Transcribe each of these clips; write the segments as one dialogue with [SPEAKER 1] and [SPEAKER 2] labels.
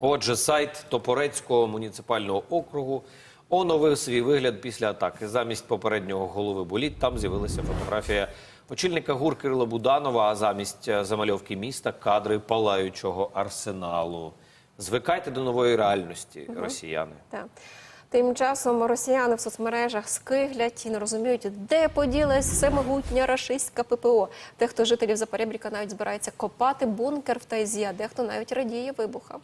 [SPEAKER 1] Отже, сайт Топорецького муніципального округу оновив свій вигляд після атаки. Замість попереднього голови боліт там з'явилася фотографія очільника ГУР Кирила Буданова, а замість замальовки міста – кадри палаючого арсеналу. Звикайте до нової реальності, росіяни.
[SPEAKER 2] Так. Тим часом росіяни в соцмережах скиглять і не розуміють, де поділась всемогутня рашистська ППО. Дехто жителів Запорєбріка навіть збирається копати бункер в Тайзі, а дехто навіть радіє вибухам.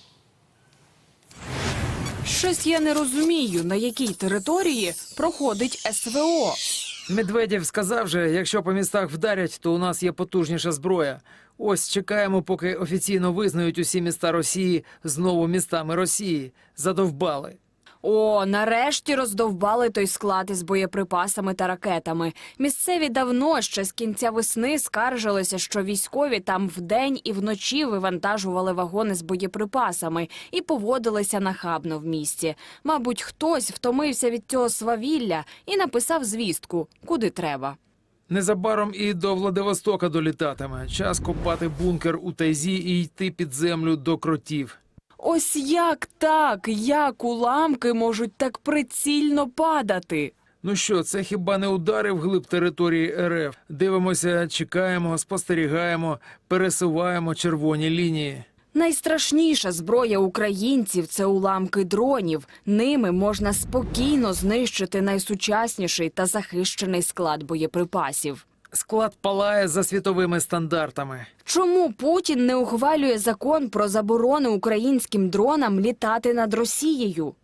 [SPEAKER 3] Щось я не розумію, на якій території проходить СВО.
[SPEAKER 4] Медведєв сказав же, якщо по містах вдарять, то у нас є потужніша зброя. Ось чекаємо, поки офіційно визнають усі міста Росії знову містами Росії. Задовбали.
[SPEAKER 3] О, нарешті роздовбали той склад із боєприпасами та ракетами. Місцеві давно, ще з кінця весни, скаржилися, що військові там вдень і вночі вивантажували вагони з боєприпасами і поводилися нахабно в місті. Мабуть, хтось втомився від цього свавілля і написав звістку, куди треба.
[SPEAKER 4] Незабаром і до Владивостока долітатиме. Час копати бункер у Тайзі і йти під землю до кротів.
[SPEAKER 3] Ось як так? Як уламки можуть так прицільно падати?
[SPEAKER 4] Ну що, це хіба не удари вглиб території РФ? Дивимося, чекаємо, спостерігаємо, пересуваємо червоні лінії.
[SPEAKER 3] Найстрашніша зброя українців – це уламки дронів. Ними можна спокійно знищити найсучасніший та захищений склад боєприпасів.
[SPEAKER 4] Склад палає за світовими стандартами.
[SPEAKER 3] Чому Путін не ухвалює закон про заборону українським дронам літати над Росією?